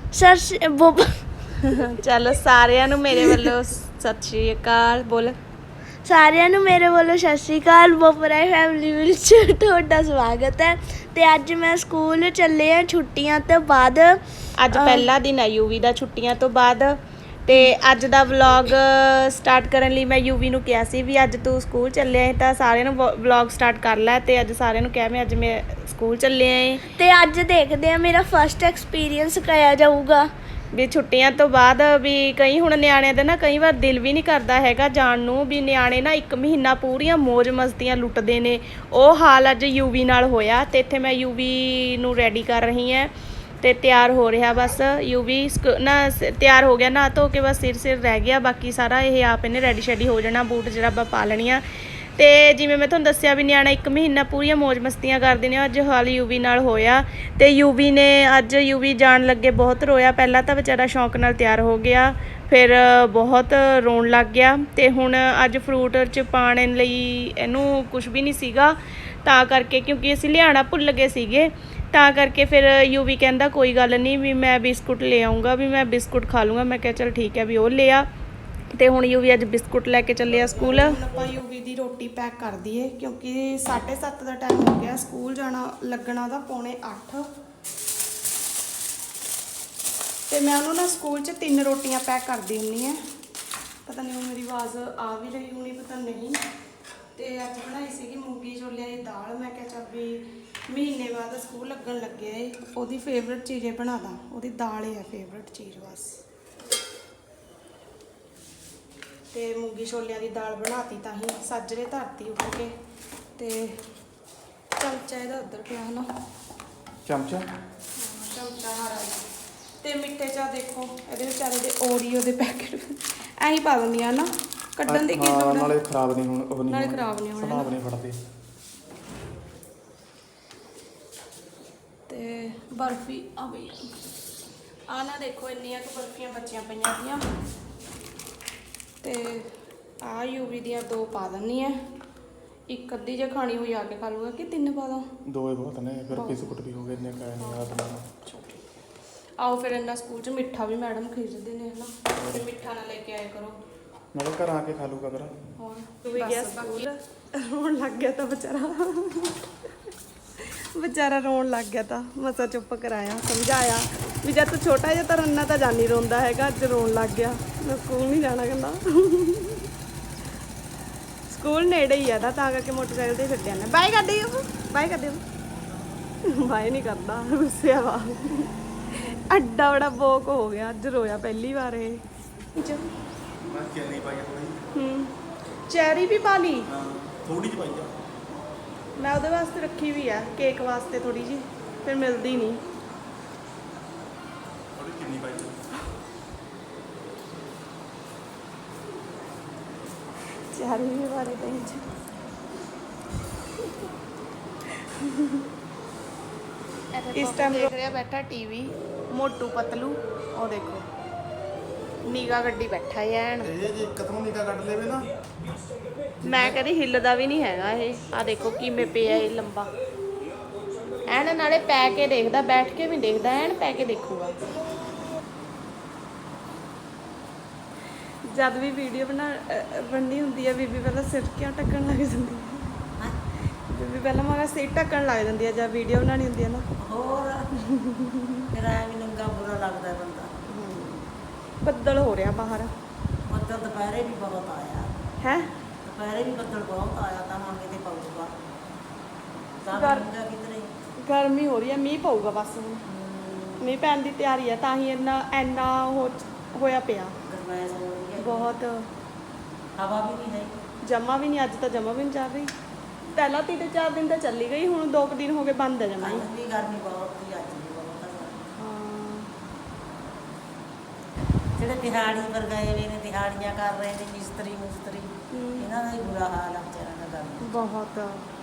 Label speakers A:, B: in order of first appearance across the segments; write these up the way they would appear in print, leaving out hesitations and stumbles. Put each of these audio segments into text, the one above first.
A: चलो सारिਆਂ ਨੂੰ ਮੇਰੇ ਵੱਲੋਂ ਸਤਿ ਸ਼੍ਰੀ ਅਕਾਲ ਬੋਲ।
B: ਸਾਰਿਆਂ ਨੂੰ ਮੇਰੇ ਵੱਲੋਂ ਸਤਿ ਸ਼੍ਰੀ ਅਕਾਲ। ਬੋਪਰਾਈ ਫੈਮਿਲੀ ਵਿੱਚ ਤੁਹਾਡਾ ਸਵਾਗਤ ਹੈ। ਤੇ ਅੱਜ ਮੈਂ ਸਕੂਲ ਚੱਲੇ ਆ ਛੁੱਟੀਆਂ ਤੋਂ ਬਾਅਦ।
A: ਅੱਜ ਪਹਿਲਾ ਦਿਨ ਹੈ ਯੂਵੀ ਦਾ ਛੁੱਟੀਆਂ ਤੋਂ ਬਾਅਦ। ਤੇ ਅੱਜ ਦਾ ਵਲੌਗ ਸਟਾਰਟ ਕਰਨ ਲਈ ਮੈਂ ਯੂਵੀ ਨੂੰ ਕਿਹਾ ਸੀ ਵੀ ਅੱਜ ਤੂੰ ਸਕੂਲ ਚੱਲਿਆ ਹੈ ਤਾਂ ਸਾਰਿਆਂ ਨੂੰ ਵਲੌਗ ਸਟਾਰਟ ਕਰ ਲੈ। ਤੇ ਅੱਜ ਸਾਰਿਆਂ ਨੂੰ ਕਿਹਾ ਮੈਂ ਅੱਜ ਮੈਂ ਸਕੂਲ ਚੱਲੇ ਆਏ
B: ਤੇ ਅੱਜ ਦੇਖਦੇ ਆ ਮੇਰਾ ਫਸਟ ਐਕਸਪੀਰੀਅੰਸ ਕਿਹਾ ਜਾਊਗਾ
A: ਵੀ ਛੁੱਟੀਆਂ ਤੋਂ ਬਾਅਦ। ਵੀ ਕਈ ਹੁਣ ਨਿਆਣਿਆਂ ਦਾ ਨਾ ਕਈ ਵਾਰ ਦਿਲ ਵੀ ਨਹੀਂ ਕਰਦਾ ਹੈਗਾ ਜਾਣ ਨੂੰ। ਵੀ ਨਿਆਣੇ ਨਾ 1 ਮਹੀਨਾ ਪੂਰੀਆਂ ਮੌਜ ਮਸਤੀਆਂ ਲੁੱਟਦੇ ਨੇ। ਉਹ ਹਾਲ ਅੱਜ ਯੂਵੀ ਨਾਲ ਹੋਇਆ। ਤੇ ਇੱਥੇ ਮੈਂ ਯੂਵੀ ਨੂੰ ਰੈਡੀ ਕਰ ਰਹੀ ਹਾਂ ਤੇ ਤਿਆਰ ਹੋ ਰਿਹਾ ਬਸ। ਯੂਵੀ ਨਾ ਤਿਆਰ ਹੋ ਗਿਆ ਨਹਾ ਧੋ ਕੇ, ਬਸ ਸਿਰ ਰਹਿ ਗਿਆ। ਬਾਕੀ ਸਾਰਾ ਇਹ ਆਪ ਇਹਨੇ ਰੈਡੀ ਸ਼ੈਡੀ ਹੋ ਜਾਣਾ, ਬੂਟ ਜਰਾਬਾਂ ਪਾ ਲੈਣੀਆਂ। ਤੇ ਜਿਵੇਂ ਮੈਂ ਤੁਹਾਨੂੰ ਦੱਸਿਆ ਵੀ ਨਿਆਣਾ 1 ਮਹੀਨਾ ਪੂਰੀਆਂ ਮੌਜ ਮਸਤੀਆਂ ਕਰਦੇ ਨੇ। ਅੱਜ ਹਾਲ ਯੂਵੀ ਨਾਲ ਹੋਇਆ। ਤੇ ਯੂਵੀ ਨੇ ਅੱਜ ਯੂਵੀ ਜਾਣ ਲੱਗੇ ਬਹੁਤ ਰੋਇਆ। ਪਹਿਲਾਂ ਤਾਂ ਵਿਚਾਰਾ ਸ਼ੌਂਕ ਨਾਲ ਤਿਆਰ ਹੋ ਗਿਆ, ਫਿਰ ਬਹੁਤ ਰੋਣ ਲੱਗ ਗਿਆ। ਤੇ ਹੁਣ ਅੱਜ ਫਰੂਟ 'ਚ ਪਾਉਣ ਲਈ ਇਹਨੂੰ ਕੁਝ ਵੀ ਨਹੀਂ ਸੀਗਾ, ਤਾਂ ਕਰਕੇ ਕਿਉਂਕਿ ਅਸੀਂ ਲਿਆਉਣਾ ਭੁੱਲ ਗਏ ਸੀਗੇ, ਤਾਂ ਕਰਕੇ ਫਿਰ ਯੂਵੀ ਕਹਿੰਦਾ ਕੋਈ ਗੱਲ ਨਹੀਂ ਵੀ ਮੈਂ ਬਿਸਕੁਟ ਲੈ ਆਊਂਗਾ, ਵੀ ਮੈਂ ਬਿਸਕੁਟ ਖਾ ਲੂੰਗਾ। ਮੈਂ ਕਿਹਾ ਚਲ ਠੀਕ ਹੈ ਵੀ ਉਹ ਲਿਆ। ਤੇ ਹੁਣ ਯੂਵੀ ਅੱਜ ਬਿਸਕੁਟ ਲੈ ਕੇ ਚੱਲਿਆ ਸਕੂਲ। ਹੁਣ ਆਪਾਂ ਯੂਵੀ ਦੀ ਰੋਟੀ ਪੈਕ ਕਰ ਦਈਏ ਕਿਉਂਕਿ 7:30 ਦਾ ਟਾਈਮ ਹੋ ਗਿਆ। ਸਕੂਲ ਜਾਣਾ ਲੱਗਣਾ ਦਾ 7:45। ਤੇ ਮੈਂ ਉਹਨੂੰ ਨਾ ਸਕੂਲ 'ਚ 3 ਰੋਟੀਆਂ ਪੈਕ ਕਰਦੀ ਹੁੰਦੀ ਹਾਂ। ਪਤਾ ਨਹੀਂ ਉਹ ਮੇਰੀ ਆਵਾਜ਼ ਆ ਵੀ ਰਹੀ ਹੋਣੀ, ਪਤਾ ਨਹੀਂ। ਤੇ ਅੱਜ ਬਣਾਈ ਸੀਗੀ ਮੂੰਗੀ ਛੋਲਿਆਂ ਦੀ ਦਾਲ। ਮੈਂ ਕਿਹਾ ਚੱਲ ਵੀ ਮਹੀਨੇ ਬਾਅਦ ਸਕੂਲ ਲੱਗਣ ਲੱਗਿਆ ਏ, ਉਹਦੀ ਫੇਵਰੇਟ ਚੀਜ਼ ਇਹ ਬਣਾ ਦਾਂ। ਉਹਦੀ ਦਾਲ ਹੀ ਹੈ ਫੇਵਰੇਟ ਚੀਜ਼ ਬਸ। ਤੇ ਮੂੰਗੀ ਛੋਲਿਆਂ ਦੀ ਦਾਲ ਬਣਾਤੀ ਤਾਂ ਹੀ ਸਾਜਰੇ ਧਰਤੀ ਉੱਠ ਕੇ। ਤੇ ਚਮਚਾ ਇਹਦਾ ਉੱਧਰ ਪਿਆ ਹਨਾ, ਚਮਚਾ ਹਰਾ। ਤੇ ਮਿੱਠੇ ਚਾਹ ਦੇਖੋ ਇਹਦੇ ਵਿਚਾਰੇ ਦੇ ਓਰੀਓ ਦੇ ਪੈਕਟ ਐਂ ਹੀ ਪਾ ਦਿੰਦੀਆਂ ਨਾ, ਕੱਢਣ ਦੀ ਕੀ ਲੋੜ ਹੈ।
C: ਨਾਲੇ ਖਰਾਬ ਨਹੀਂ ਹੁਣ, ਉਹ
A: ਨਾਲੇ ਖਰਾਬ ਨਹੀਂ ਹੋਣੇ,
C: ਖਰਾਬ ਨਹੀਂ ਫੜਦੇ।
A: ਤੇ ਬਰਫੀ ਆ ਬਈ ਆ ਨਾ ਦੇਖੋ ਇੰਨੀਆਂ ਕੁ ਬਰਫੀਆਂ ਬੱਚੀਆਂ ਪਈਆਂ ਦੀਆਂ। ਤੇ ਆ ਯੂਵੀ ਦੀਆਂ 2 ਪਾ ਦਿੰਨੀ ਆ। 1 ਅੱਧੀ ਜੇ ਖਾਣੀ ਹੋਈ ਆ ਕੇ ਖਾ ਲੂਗਾ ਕਿ 3 ਪਾ ਦਾਂ?
C: 2 ਹੀ ਬਹੁਤ ਨੇ, ਫਿਰ ਬਿਸਕੁਟ ਵੀ ਹੋ ਗਏ ਨੇ ਕਾਇ ਨਹੀਂ ਯਾਦ ਨਾ।
A: ਆਓ ਫਿਰ ਇੰਨਾ ਸਕੂਲ 'ਚ ਮਿੱਠਾ ਵੀ ਮੈਡਮ ਖਰੀਦਦੇ ਨੇ ਹਨਾ, ਤੇ ਮਿੱਠਾ ਨਾ ਲੈ ਕੇ ਆਇਆ ਕਰੋ।
C: ਨਾਲੇ ਘਰ ਆ ਕੇ ਖਾ ਲੂਗਾ ਫਿਰ।
A: ਹੋਰ ਤੂੰ ਵੀ ਗਿਆ ਸਕੂਲ, ਰੋਣ ਲੱਗ ਗਿਆ ਤਾਂ ਵਿਚਾਰਾ ਰੋਣ ਲੱਗ ਗਿਆ ਤਾਂ ਮਸਾ ਚੁੱਪ ਕਰਾਇਆ, ਸਮਝਾਇਆ ਵੀ ਜਦ ਤੂੰ ਛੋਟਾ ਜਿਹਾ ਤਾਂ ਰੰਨਾ ਤਾਂ ਜਾਨੀ ਰੋਂਦਾ ਹੈਗਾ। ਅੱਜ ਰੋਣ ਲੱਗ ਗਿਆ, ਮੈਂ ਸਕੂਲ ਨਹੀਂ ਜਾਣਾ ਕਹਿੰਦਾ। ਸਕੂਲ ਨੇੜੇ ਹੀ ਆ ਤਾਂ ਕਰਕੇ ਮੋਟਰਸਾਈਕਲ ਤੇ ਛੱਡ ਜਾਂਦੇ। ਬਾਏ ਕਰ ਦਿਓ, ਬਾਏ ਕਰ ਦਿਓ। ਬਾਏ ਨਹੀਂ ਕਰਦਾ, ਗੁੱਸਿਆ ਵਾ। ਅੱਡਾ ਬੜਾ ਬੋਕ ਹੋ ਗਿਆ, ਅੱਜ ਰੋਇਆ ਪਹਿਲੀ ਵਾਰ ਇਹ।
C: ਮੈਂ ਚੈਨੀ ਪਾਈ ਥੋੜੀ।
A: ਚੈਰੀ ਵੀ ਪਾ ਲਈ?
C: ਹਾਂ ਥੋੜੀ ਜਿਹੀ ਪਾਈ ਆ
A: ਮੈਂ ਉਹਦੇ ਵਾਸਤੇ ਰੱਖੀ ਵੀ ਆ, ਕੇਕ ਵਾਸਤੇ ਥੋੜੀ ਜੀ, ਫਿਰ ਮਿਲਦੀ ਨਹੀਂ।
C: ਥੋੜੀ ਚੀਨੀ ਪਾਈ
A: ਚੈਰੀ ਵੀ ਬਾਰੇ ਤਾਂ ਇਸ ਟਾਈਮ ਦੇਖ ਰਿਹਾ ਬੈਠਾ ਟੀਵੀ ਮੋਟੂ ਪਤਲੂ। ਉਹ ਦੇਖੋ ਨੀਗਾ ਗੱਡੀ ਬੈਠਾ ਹੈ ਐਨ।
C: ਇਹ ਜੇ ਕਦਮੋਂ ਨਿਕਾ ਕੱਢ ਲੇਵੇ ਨਾ,
A: ਮੈਂ ਕਦੀ ਹਿੱਲਦਾ ਵੀ ਨਹੀਂ ਹੈਗਾ ਇਹ। ਆ ਦੇਖੋ ਕਿਵੇਂ ਪਿਆ ਇਹ ਲੰਬਾ ਐਨ, ਨਾਲੇ ਪੈ ਕੇ ਦੇਖਦਾ, ਬੈਠ ਕੇ ਵੀ ਦੇਖਦਾ, ਐਨ ਪੈ ਕੇ ਦੇਖੂਗਾ। ਜਦ ਵੀ ਵੀਡੀਓ ਬਣਨੀ ਹੁੰਦੀ ਹੈ ਬੀਬੀ ਪਹਿਲਾਂ ਸਿਰ ਕਿਉਂ ਢੱਕਣ ਲੱਗ ਜਾਂਦੀ ਹੈ? ਬੀਬੀ ਪਹਿਲਾਂ ਮਾਰਾ ਸਿਰ ਢੱਕਣ ਲੱਗ ਜਾਂਦੀ ਹੈ ਜਦ ਵੀਡੀਓ ਬਣਾਉਣੀ ਹੁੰਦੀ ਹੈ ਨਾ।
D: ਹੋਰ ਫਿਰ ਐਵੇਂ ਨੰਗਾ ਬੁਰਾ ਲੱਗਦਾ ਬੰਦਾ।
A: ਬੱਦਲ ਹੋ ਰਿਹਾ ਬਾਹਰ।
D: ਬੱਦਲ ਦੁਪਹਿਰੇ ਵੀ ਬਹੁਤ ਆਇਆ
A: ਹੈ,
D: ਦੁਪਹਿਰੇ ਵੀ ਬੱਦਲ ਬਹੁਤ ਆਇਆ ਤਾਂ ਹੁਣ ਕਿਤੇ ਪਊਗਾ ਤਾਂ ਬੰਦਾ ਕਿਧਰੇ।
A: ਗਰਮੀ ਹੋ ਰਹੀ ਹੈ, ਮੀਂਹ ਪਊਗਾ ਬਸ ਹੁਣ। ਮੀਂਹ ਪੈਣ ਦੀ ਤਿਆਰੀ ਹੈ, ਤਾਂ ਹੀ ਇੰਨਾ ਹੋਇਆ ਪਿਆ
D: ਗਰਮੈਸ਼ ਹੋ ਰਹੀ ਹੈ
A: ਬਹੁਤ।
D: ਹਵਾ ਵੀ ਨਹੀਂ ਹੈ
A: ਜਮਾ ਵੀ ਨਹੀਂ, ਅੱਜ ਤਾਂ ਜਮਾ ਵੀ ਨਹੀਂ ਚੱਲ ਰਹੀ। ਪਹਿਲਾਂ 3-4 ਦਿਨ ਤਾਂ ਚੱਲੀ ਗਈ, ਹੁਣ 2 ਦਿਨ ਹੋ ਗਏ ਬੰਦ ਹੈ ਜਮਾ ਹੀ।
D: ਅੱਜ ਵੀ ਗਰਮੀ ਬਹੁਤ ਸੀ, ਅੱਜ ਵੀ ਬਹੁਤ ਹੈ।
A: ਹਾਂ,
D: ਜਿਹੜੇ ਦਿਹਾੜੀ ਪਰ ਗਏ ਵੇ ਨੇ, ਦਿਹਾੜੀਆਂ ਕਰ ਰਹੇ ਨੇ ਮਿਸਤਰੀ ਮੁਸਤਰੀ, ਇਹਨਾਂ ਦਾ ਹੀ ਬੁਰਾ ਹਾਲ ਆ ਵਿਚਾਰਿਆਂ ਦਾ। ਗਰਮੀ
A: ਬਹੁਤ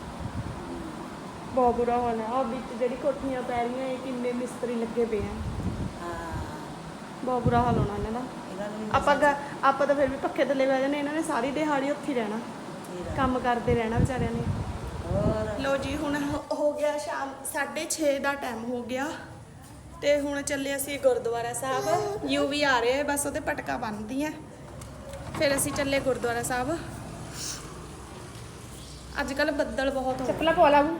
A: ਬੁਰਾ ਹਾਲ ਹੈ। ਆ ਵਿੱਚ ਜਿਹੜੀ ਕੋਠੀਆਂ ਪੈ ਰਹੀਆਂ ਇਹ ਕਿੰਨੇ ਮਿਸਤਰੀ ਲੱਗੇ ਪਏ ਆ।
D: ਹਾਂ
A: ਬਹੁਤ ਬੁਰਾ ਹਾਲ ਹੋਣਾ ਇਹਨਾਂ ਦਾ।
D: ਇਹਨਾਂ ਨੂੰ ਵੀ
A: ਆਪਾਂ ਤਾਂ ਫਿਰ ਵੀ ਪੱਖੇ ਥੱਲੇ ਬਹਿ ਜਾਂਦੇ, ਇਹਨਾਂ ਨੇ ਸਾਰੀ ਦਿਹਾੜੀ ਉੱਥੇ ਹੀ ਰਹਿਣਾ, ਕੰਮ ਕਰਦੇ ਰਹਿਣਾ ਵਿਚਾਰਿਆਂ ਨੇ।
D: ਹੋਰ
A: ਲੋ ਜੀ ਹੁਣ ਹੋ ਗਿਆ ਸ਼ਾਮ 6:30 ਦਾ ਟਾਈਮ ਹੋ ਗਿਆ। ਤੇ ਹੁਣ ਚੱਲੇ ਅਸੀਂ ਗੁਰਦੁਆਰਾ ਸਾਹਿਬ। ਯੂ ਵੀ ਆ ਰਿਹਾ, ਬਸ ਉਹਦੇ ਪਟਕਾ ਬੰਨ੍ਹਦੀ ਆ, ਫਿਰ ਅਸੀਂ ਚੱਲੇ ਗੁਰਦੁਆਰਾ ਸਾਹਿਬ। ਅੱਜ ਕੱਲ ਬੱਦਲ ਬਹੁਤ ਹੋ
E: ਚੱਪਲਾਂ ਪਾ ਲਾ ਬੂ।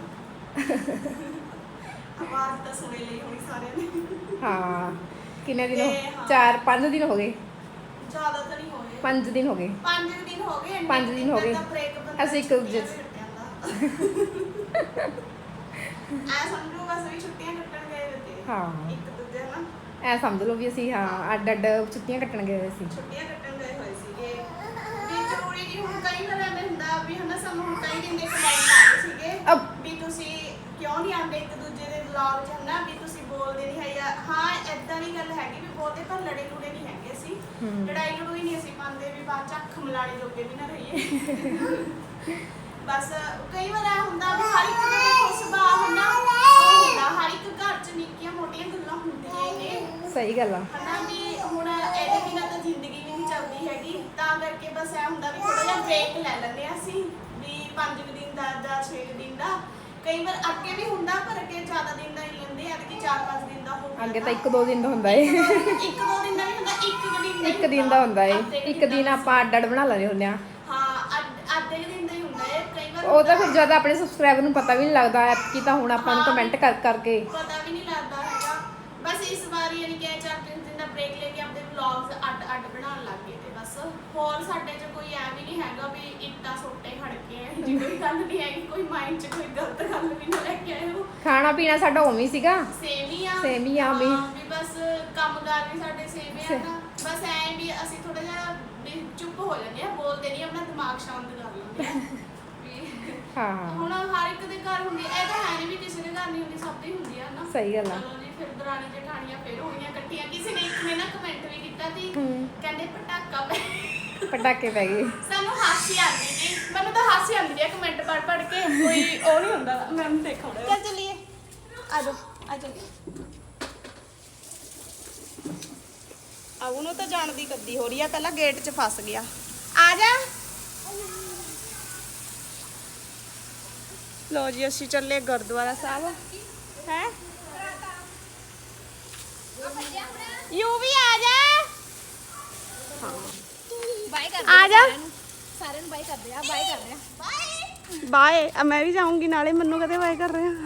A: ਆਵਾਜ਼ ਤਾਂ ਸੁਣੇ ਲਈ ਹੋਣੀ ਸਾਰਿਆਂ ਨੇ।
E: ਹਾਂ ਕਿੰਨੇ ਦਿਨ
A: ਤੇ ਹਾਂ।
E: 4-5 ਦਿਨ ਹੋ ਗਏ।
A: ਜ਼ਿਆਦਾ ਤਾਂ ਨਹੀਂ ਹੋਏ,
E: 5 ਦਿਨ ਹੋ ਗਏ।
A: 5 ਦਿਨ ਹੋ ਗਏ।
E: 5 ਦਿਨ ਹੋ ਗਏ। ਅਸੀਂ ਇੱਕ ਦੂਜੇ
A: ਐ ਸਮਝੋ ਬਸ ਵੀ ਛੁੱਟੀਆਂ ਕੱਟਣ ਗਏ ਹੋਏ ਤੇ
E: ਹਾਂ।
A: ਇੱਕ ਦੂਜੇ ਨਾਲ
E: ਐ ਸਮਝ ਲਓ ਵੀ ਅਸੀਂ ਹਾਂ ਅੱਡ ਅੱਡ ਛੁੱਟੀਆਂ ਕੱਟਣ ਗਏ ਹੋਏ ਸੀ।
A: ਛੁੱਟੀਆਂ ਕੱਟਣ ਗਏ ਹੋਏ ਸੀਗੇ ਵੀ ਜ਼ਰੂਰੀ ਨਹੀਂ ਹੁਣ ਕਈ ਵਾਰ ਐਵੇਂ ਹੁੰਦਾ ਵੀ ਹਨਾ ਸਾਨੂੰ ਹੁਣ ਕਈ ਦਿਨ ਦੇ ਕਮੈਂਟ ਆ ਰਹੇ ਸੀਗੇ ਵੀ ਤੁਸੀਂ ਕਿਉਂ ਨਹੀਂ ਆਉਂਦੇ ਇੱਕ ਦੂਜੇ ਦੇ ਵਲੌਗ 'ਚ ਹਨਾ ਵੀ ਤੁਸੀਂ ਬੋਲਦੇ ਨਹੀਂ ਹੈ ਜਾਂ ਹਾਂ ਏਦਾਂ ਦੀ ਗੱਲ ਹੈਗੀ ਵੀ ਬੋਲਦੇ ਪਰ ਲੜੇ ਲੁੜੇ ਨਹੀਂ ਹੈਗੇ ਅਸੀਂ ਲੜਾਈ ਲੜੂਈ ਨਹੀਂ ਅਸੀਂ ਪਾਉਂਦੇ ਵੀ ਬਾਅਦ 'ਚ ਅੱਖ ਮਲਾਣੇ ਜੋਗੇ ਵੀ ਨਾ ਰਹੀਏ ਬਸ ਕਈ ਵਾਰ ਇਹ ਹੁੰਦਾ ਵੀ ਹਰ ਇੱਕ ਦਾ ਦੇਖੋ ਸੁਭਾਅ ਹੁੰਦਾ ਹਰ ਇੱਕ ਘਰ 'ਚ ਨਿੱਕੀਆਂ ਮੋਟੀਆਂ ਗੱਲਾਂ ਹੁੰਦੀਆਂ ਹੀ ਨੇ
E: ਸਹੀ ਗੱਲ ਆ।
A: ਹਨਾ ਵੀ ਹੁਣ ਇਹਦੇ ਬਿਨਾਂ ਤਾਂ ਜ਼ਿੰਦਗੀ ਵੀ ਨਹੀਂ ਚੱਲਦੀ ਹੈਗੀ ਤਾਂ ਕਰਕੇ ਬਸ ਇਹ ਹੁੰਦਾ ਵੀ ਥੋੜਾ ਜਿਹਾ ਬ੍ਰੇਕ ਲੈ ਲੈਂਦੇ ਹਾਂ ਅਸੀਂ ਵੀ 5 ਦਿਨ ਦਾ ਜਾਂ 6 ਦਿਨ ਦਾ ਕਈ ਵਾਰ ਅੱਗੇ ਵੀ ਹੁੰਦਾ ਪਰ ਅੱਗੇ ਜ਼ਿਆਦਾ ਦਿਨ ਦਾ ਹੀ ਲੈਂਦੇ ਆ ਕਿ 4-5 ਦਿਨ ਦਾ ਹੋ ਗਿਆ
E: ਅੱਗੇ ਤਾਂ 1-2 ਦਿਨ ਦਾ ਹੁੰਦਾ ਏ।
A: ਇੱਕ ਦੋ ਦਿਨ ਦਾ ਵੀ ਹੁੰਦਾ
E: ਇੱਕ ਦਿਨ ਦਾ ਹੁੰਦਾ ਏ। ਇੱਕ ਦਿਨ ਆਪਾਂ ਅੱਡ ਅੱਡ ਬਣਾ ਲੈਂਦੇ ਹੁੰਦੇ ਆ।
A: ਹਾਂ ਅੱਧੇ ਦਿਨ ਦਾ ਹੀ ਹੁੰਦਾ ਏ ਕਈ ਵਾਰ
E: ਉਹ ਤਾਂ ਫਿਰ ਜਦ ਆਪਣੇ ਸਬਸਕ੍ਰਾਈਬਰ ਨੂੰ ਪਤਾ ਵੀ ਨਹੀਂ ਲੱਗਦਾ ਕਿ ਤਾਂ ਹੁਣ ਆਪਾਂ ਨੂੰ ਕਮੈਂਟ ਕਰ ਕਰਕੇ
A: ਪਤਾ ਵੀ ਨਹੀਂ ਲੱਗਦਾ ਹੈਗਾ ਬਸ ਇਸ ਵਾਰੀ ਯਾਨੀ ਕਿ 4-3 ਦਿਨ ਦਾ ਬ੍ਰੇਕ ਲੈ ਕੇ ਆਪਣੇ ਵਲੌਗਸ ਅੱਡ ਬਣਾਉਣ ਲੱਗ ਗਏ ਤੇ ਬਸ ਹੋਰ ਸਾਡੇ 'ਚ ਕੋਈ ਐ ਵੀ ਨਹੀਂ ਹੈਗਾ ਵੀ ਇੱਟਾਂ ਸੋਟੇ ਖੜ ਕੇ ਹੈ ਜੀ ਕੋਈ ਗੱਲ ਨਹੀਂ ਹੈਗੀ ਕੋਈ ਮਾਈਂਡ 'ਚ ਕੋਈ ਗਲਤ ਗੱਲ ਵੀ ਨਾ ਲੈ ਕੇ ਆਇਓ
E: ਖਾਣਾ ਪੀਣਾ ਸਾਡਾ ਉਵੇਂ ਹੀ ਸੀਗਾ।
A: ਸੇਮ ਹੀ ਆ
E: ਵੀ
A: ਵੀ ਬਸ ਕੰਮਕਾਰ ਵੀ ਸਾਡੇ ਸੇਮ ਹੀ ਆ ਨਾ ਬਸ ਐ ਵੀ ਅਸੀਂ ਥੋੜਾ ਜਿਹਾ ਵੀ ਚੁੱਪ ਹੋ ਜਾਂਦੇ ਆ ਬੋਲਦੇ ਨਹੀਂ ਆਪਣਾ ਦਿਮਾਗ ਸ਼ਾਂਤ ਕਰ ਲੈਂਦੇ ਆ ਵੀ
E: ਹਾਂ
A: ਹੁਣ ਹਰ ਇੱਕ ਦੇ ਘਰ ਹੁੰਦੀ ਇਹ ਤਾਂ ਹੈ ਨਹੀਂ ਵੀ ਕਿਸੇ ਦੇ ਘਰ ਨਹੀਂ ਹੁੰਦੀ ਸਭ ਦੀ ਹੁੰਦੀ ਆ ਨਾ
E: ਸਹੀ ਗੱਲ ਆ।
A: ਚਲੋ ਜੀ ਫਿਰ ਦਰਾਣੀ ਜਠਾਣੀਆਂ ਫਿਰ ਹੋਈਆਂ ਇਕੱਠੀਆਂ ਕਿਸੇ ਨੇ ਇੱਕ ਨੇ ਨਾ ਕਮੈਂਟ ਵੀ ਕੀਤਾ ਸੀ ਕਹਿੰਦੇ ਪਟਾਕਾ
E: ਪਟਾਕੇ ਪੈ ਗਏ।
A: ਸਾਨੂੰ ਹਾਸੀ ਆਉਂਦੀ ਜੀ ਮੈਨੂੰ ਤਾਂ ਹਾਸੀ ਆਉਂਦੀ ਹੈ ਕਮੈਂਟ ਪੜ੍ਹ ਕੇ ਕੋਈ ਉਹ ਨਹੀਂ ਹੁੰਦਾ ਮੈਂ ਦੇਖਾਉਣਾ ਚੱਲ ਚਲੀਏ ਆ ਜਾਓ ਆ ਚੱਲੀਏ ਆ ਉਹਨੂੰ ਤਾਂ ਜਾਣ ਦੀ ਕੱਦੀ ਹੋ ਰਹੀ ਆ ਪਹਿਲਾਂ ਗੇਟ 'ਚ ਫਸ ਗਿਆ ਆ ਜਾ ਲੋ ਜੀ ਅਸੀਂ ਚੱਲੇ ਗੁਰਦੁਆਰਾ ਸਾਹਿਬ ਹੈ ਯੂ ਵੀ ਆ ਜਾ
B: ਬਾਏ ਕਰ
A: ਆ ਜਾ
B: ਸਾਰਿਆਂ ਨੂੰ ਬਾਏ ਕਰਦੇ ਆ ਬਾਏ ਕਰ ਰਹੇ ਆ
A: ਬਾਏ ਮੈਂ ਵੀ ਜਾਊਂਗੀ ਨਾਲੇ ਮੈਨੂੰ ਕਦੇ ਬਾਏ ਕਰ ਰਹੇ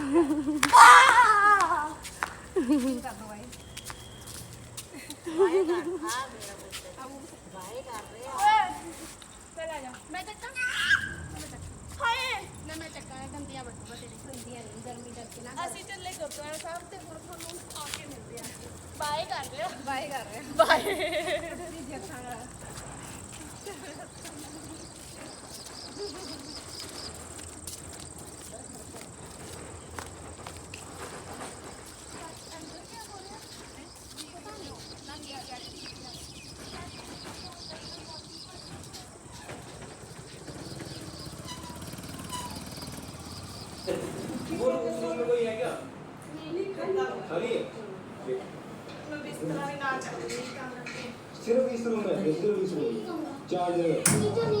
B: ਮੈਂ ਚੱਕਾਂ
A: ਹਾਏ
B: ਨਾ ਮੈਂ ਚੱਕਾਂ ਗੰਦੀਆਂ ਬੱਟੂਆਂ ਤੇਰੀ ਗੰਦੀਆਂ ਨਹੀਂ ਗਰਮੀ ਕਰਕੇ ਨਾ
A: ਅਸੀਂ ਚੱਲੇ ਗੁਰਦੁਆਰਾ ਸਾਹਿਬ ਤੇ ਹੁਣ ਤੁਹਾਨੂੰ ਆ ਕੇ ਮਿਲਦੇ ਆ ਬਾਏ ਕਰ ਰਹੇ
B: ਬਾਏ ਕਰ ਰਹੇ
A: ਹੋ ਬਾਏ मैं बिस्तर भी ना चल रही काम करके
F: सिर्फ इस रूम में सिर्फ इस रूम में 4 जगह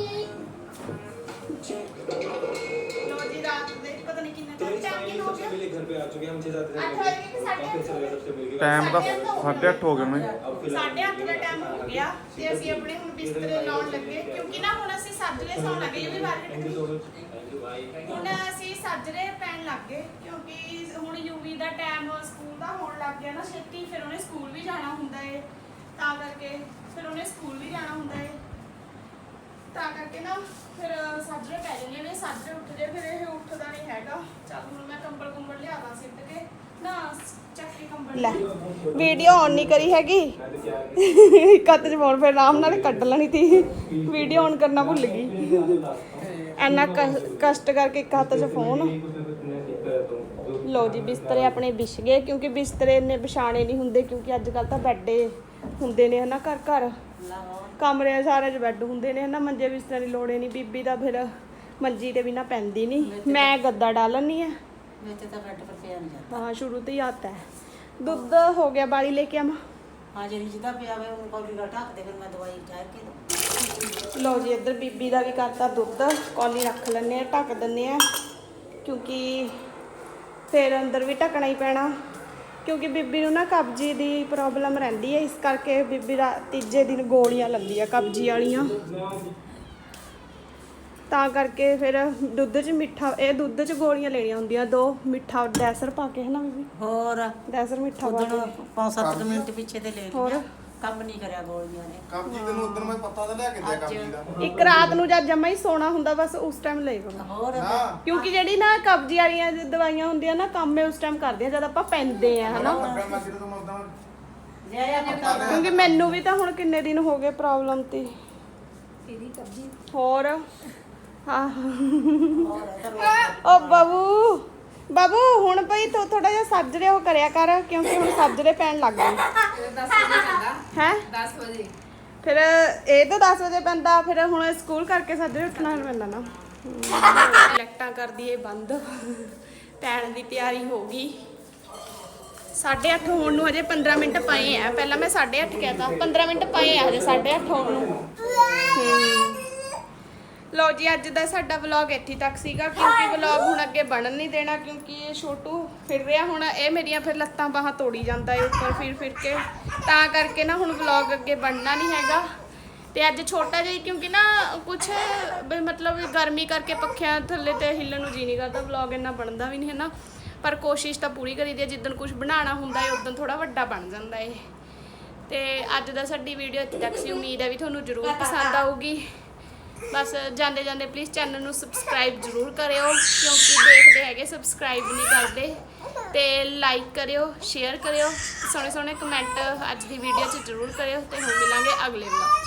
A: लो जी रात दे पता नहीं कितने
F: तो इस
A: टाइम
F: फाइनली
A: किन हो
F: सबसे
A: गया
F: पहले घर पे आ चुके हैं हम 6-7
A: आठ बजे के साढ़े आठ
F: काफी अच्छा लगा सबसे मिलके
C: ਟਾਈਮ ਦਾ 8:30 ਹੋ ਗਏ ਨੇ
F: अब फिलहाल
A: 8:30 ਦਾ ਟਾਈਮ ਹੋ ਗਿਆ ਤੇ ਅਸੀਂ ਆਪਣੇ ਹੁਣ ਬਿਸਤਰੇ ਲਾਉਣ ਲੱਗੇ ਕਿਉਂਕਿ ਨਾ ਹੁਣ ਅਸੀਂ ਸੱਜਰੇ ਸੌਣ ਲੱਗੇ ਕਿਉਂਕਿ
F: thank you so
A: market
F: much thank you भाई
A: ਹੁਣ ਅਸੀਂ ਸੱਜਰੇ ਪੈਣ ਲੱਗ ਗਏ ਕਿਉਂਕਿ ਹੁਣ ਯੂਵੀ ਦਾ ਟਾਈਮ ਸਕੂਲ ਦਾ ਹੋਣ ਲੱਗ ਗਿਆ ਨਾ ਛੇਤੀ ਫਿਰ ਉਹਨੇ ਸਕੂਲ ਵੀ ਜਾਣਾ ਹੁੰਦਾ ਏ ਤਾਂ ਕਰਕੇ ਫਿਰ ਉਹਨੇ ਸਕੂਲ ਵੀ ਜਾਣਾ ਹੁੰਦਾ ਏ ਤਾਂ ਕਰਕੇ ਨਾ ਫਿਰ ਸੱਜਰੇ ਪੈ ਜਾਂਦੇ ਨੇ ਸੱਜਰੇ ਉੱਠ ਜੇ ਫਿਰ ਇਹ ਉੱਠਦਾ ਨਹੀਂ ਹੈਗਾ ਚੱਲ ਹੁਣ ਮੈਂ ਕੰਬਲ ਕੁੰਬਲ ਲਿਆਦਾ ਸਿੱਟ ਕੇ ਨਾ ਚੱਕੀ ਕੰਬਲ ਲੈ ਵੀਡੀਓ ਔਨ ਨਹੀਂ ਕਰੀ ਹੈਗੀ ਇੱਕ ਹੱਥ 'ਚ ਫੋਨ ਫਿਰ ਆਰਾਮ ਨਾਲ ਕੱਢ ਲੈਣੀ ਤੀ ਵੀਡੀਓ ਔਨ ਕਰਨਾ ਭੁੱਲ ਗਈ ਇੰਨਾ ਕਸ਼ਟ ਕਰਕੇ ਇੱਕ ਹੱਥ 'ਚ ਫੋਨ ਲੋ ਜੀ ਬਿਸਤਰੇ ਆਪਣੇ ਵਿਛ ਗਏ ਕਿਉਂਕਿ ਬਿਸਤਰੇ ਇੰਨੇ ਵਿਛਾਣੇ ਨਹੀਂ ਹੁੰਦੇ ਕਿਉਂਕਿ ਅੱਜ ਕੱਲ ਤਾਂ ਬੈੱਡੇ ਹੁੰਦੇ ਨੇ ਹਨਾ ਘਰ ਘਰ ਕਮਰੇ ਸਾਰੇ 'ਚ ਬੈੱਡ ਹੁੰਦੇ ਨੇ ਹਨਾ ਮੰਜੇ ਬਿਸਤਰੇ ਦੀ ਲੋੜ ਨਹੀਂ ਬੀਬੀ ਦਾ ਫਿਰ ਮੰਜੀ ਤੇ ਬਿਨਾ ਪੈਂਦੀ ਨਹੀਂ ਮੈਂ ਗੱਦਾ ਡਾਲਣੀ ਆ
D: ਵਿੱਚ ਤਾਂ ਬੈੱਡ ਪਰ ਪਿਆ ਨਹੀਂ ਜਾਂਦਾ
A: ਹਾਂ ਸ਼ੁਰੂ ਤੋਂ ਹੀ ਆਤਾ ਹੈ ਦੁੱਧ ਹੋ ਗਿਆ ਬਾਲੀ ਲੈ ਕੇ ਆਵਾਂ
D: ਹਾਂ ਜਿਹੜੀ ਜਿਹਦਾ ਪਿਆ ਵੇ ਉਹਨੂੰ ਕੌਲੀ ਨਾਲ ਢੱਕ ਦੇ ਫਿਰ ਮੈਂ ਦਵਾਈ ਠਹਿਰ ਕੇ ਦਊਂ
A: ਲਓ ਜੀ ਇੱਧਰ ਬੀਬੀ ਦਾ ਵੀ ਕਰਤਾ ਦੁੱਧ ਕੌਲੀ ਰੱਖ ਲੈਂਦੇ ਆ ਢੱਕ ਦਿੰਦੇ ਆ ਕਿਉਂਕਿ ਫਿਰ ਅੰਦਰ ਵੀ ਢੱਕਣਾ ਹੀ ਪੈਣਾ ਕਿਉਂਕਿ ਬੀਬੀ ਨੂੰ ਨਾ ਕਬਜੀ ਦੀ ਪ੍ਰੋਬਲਮ ਰਹਿੰਦੀ ਹੈ, ਇਸ ਕਰਕੇ ਬੀਬੀ ਦਾ ਤੀਜੇ ਦਿਨ ਗੋਲੀਆਂ ਲੈਂਦੀ ਆ ਕਬਜੀ ਵਾਲੀਆਂ। ਤਾਂ ਕਰਕੇ ਫਿਰ ਦੁੱਧ 'ਚ ਮਿੱਠਾ, ਇਹ ਦੁੱਧ 'ਚ ਗੋਲੀਆਂ ਲੈਣੀਆਂ ਹੁੰਦੀਆਂ 2 ਮਿੱਠਾ ਡੈਸਰ ਪਾ ਕੇ, ਹੈ ਨਾ ਬੀਬੀ?
D: ਹੋਰ
A: ਡੈਸਰ ਮਿੱਠਾ ਪਾ
D: ਉਦੋਂ
A: ਕੇ।
D: 5-7 ਮਿੰਟ ਪਿੱਛੇ ਤੇ ਲੈ
A: ਹੋਰ?
D: ਲਿਆ, ਕੰਮ ਨਹੀਂ ਕਰਿਆ ਗੋਲੀਆਂ ਨੇ।
C: ਕਬਜੀ ਤੈਨੂੰ ਉਦੋਂ ਮੈਂ ਪਤਾ ਤਾਂ ਲਿਆ ਕੇ ਦਿਆ ਕਬਜੀ ਦਾ।
A: ਇੱਕ ਰਾਤ ਨੂੰ ਜਦ ਜਮਾ ਹੀ ਸੋਣਾ ਹੁੰਦਾ ਬਸ ਉਸ ਟਾਈਮ ਲੈ ਕਰੋ,
D: ਹੋਰ
A: ਕਿਉਂਕਿ ਜਿਹੜੀ ਨਾ ਕਬਜੀ ਵਾਲੀਆਂ ਦਵਾਈਆਂ ਹੁੰਦੀਆਂ ਨਾ ਕੰਮ ਇਹ ਉਸ ਟਾਈਮ ਕਰਦੀਆਂ ਜਦ ਆਪਾਂ ਪੈਂਦੇ ਆ, ਹਨਾ?
C: ਲੱਗਾ ਮੈਂ ਜਦੋਂ ਮੈਂ ਉਦੋਂ
D: ਜਾਇਆ ਪਤਾ
A: ਕਿਉਂਕਿ ਮੈਨੂੰ ਵੀ ਤਾਂ ਹੁਣ ਕਿੰਨੇ ਦਿਨ ਹੋ ਗਏ ਪ੍ਰੋਬਲਮ ਤੇ।
E: ਇਹਦੀ ਕਬਜੀ
A: ਹੋਰ ਹਾਂ ਓ ਬਾਬੂ ਹੁਣ ਭਈ ਤੂੰ ਥੋੜਾ ਜਿਹਾ ਸਾਜਰੇ ਉਹ ਕਰਿਆ ਕਰ, ਕਿਉਂਕਿ ਹੁਣ ਸਾਜਰੇ ਪੈਣ ਲੱਗ ਗਏ
E: 10 ਵਜੇ ਪੈਂਦਾ,
A: ਹੈ।
E: 10 ਵਜੇ
A: ਫਿਰ ਇਹ ਤਾਂ 10 ਵਜੇ ਪੈਂਦਾ, ਫਿਰ ਹੁਣ ਸਕੂਲ ਕਰਕੇ ਸਾਜਰੇ ਉੱਠਣਾ ਪੈਂਦਾ ਨਾ। ਲਾਈਟਾਂ ਕਰਦੀ ਏ ਬੰਦ, ਪੈਣ ਦੀ ਤਿਆਰੀ ਹੋ ਗਈ। 8:30 ਹੋਣ ਨੂੰ ਹਜੇ 15 ਮਿੰਟ ਪਏ ਆ। ਪਹਿਲਾਂ ਮੈਂ 8:30 ਕਹਿਤਾ, 15 ਮਿੰਟ ਪਏ ਆ ਹਜੇ 8:30 ਹੋਣ ਨੂੰ। ਲਓ ਜੀ, ਅੱਜ ਦਾ ਸਾਡਾ ਵਲੌਗ ਇੱਥੇ ਤੱਕ ਸੀਗਾ, ਕਿਉਂਕਿ ਵਲੌਗ ਹੁਣ ਅੱਗੇ ਬਣਨ ਨਹੀਂ ਦੇਣਾ, ਕਿਉਂਕਿ ਇਹ ਛੋਟੂ ਫਿਰ ਰਿਹਾ ਹੁਣ, ਇਹ ਮੇਰੀਆਂ ਫਿਰ ਲੱਤਾਂ ਬਾਹਾਂ ਤੋੜੀ ਜਾਂਦਾ ਏ ਉੱਪਰ ਫਿਰ ਕੇ, ਤਾਂ ਕਰਕੇ ਨਾ ਹੁਣ ਵਲੌਗ ਅੱਗੇ ਬਣਨਾ ਨਹੀਂ ਹੈਗਾ। ਤੇ ਅੱਜ ਛੋਟਾ ਜਿਹਾ, ਕਿਉਂਕਿ ਨਾ ਕੁਛ ਮਤਲਬ ਗਰਮੀ ਕਰਕੇ ਪੱਖਿਆਂ ਥੱਲੇ ਤੇ ਹਿੱਲਣ ਨੂੰ ਜੀ ਨਹੀਂ ਕਰਦਾ, ਵਲੌਗ ਇੰਨਾ ਬਣਦਾ ਵੀ ਨਹੀਂ ਹੈ ਨਾ, ਪਰ ਕੋਸ਼ਿਸ਼ ਤਾਂ ਪੂਰੀ ਕਰੀਦੀ ਹੈ। ਜਿੱਦਣ ਕੁਝ ਬਣਾਉਣਾ ਹੁੰਦਾ ਹੈ ਉਦੋਂ ਥੋੜਾ ਵੱਡਾ ਬਣ ਜਾਂਦਾ ਏ। ਤੇ ਅੱਜ ਦਾ ਸਾਡੀ ਵੀਡੀਓ ਇੱਥੇ ਤੱਕ ਸੀ, ਉਮੀਦ ਹੈ ਵੀ ਤੁਹਾਨੂੰ ਜ਼ਰੂਰ ਪਸੰਦ ਆਊਗੀ। ਬਸ ਜਾਂਦੇ ਜਾਂਦੇ ਪਲੀਜ਼ ਚੈਨਲ ਨੂੰ ਸਬਸਕ੍ਰਾਈਬ ਜ਼ਰੂਰ ਕਰਿਓ, ਕਿਉਂਕਿ ਦੇਖਦੇ ਹੈਗੇ ਸਬਸਕ੍ਰਾਈਬ ਨਹੀਂ ਕਰਦੇ। ਤੇ ਲਾਈਕ ਕਰਿਓ, ਸ਼ੇਅਰ ਕਰਿਓ, ਸੋਹਣੇ ਸੋਹਣੇ ਕਮੈਂਟ ਅੱਜ ਦੀ ਵੀਡੀਓ 'ਚ ਜ਼ਰੂਰ ਕਰਿਓ। ਤੇ ਹੁਣ ਮਿਲਾਂਗੇ ਅਗਲੇ ਵਲੌਗ।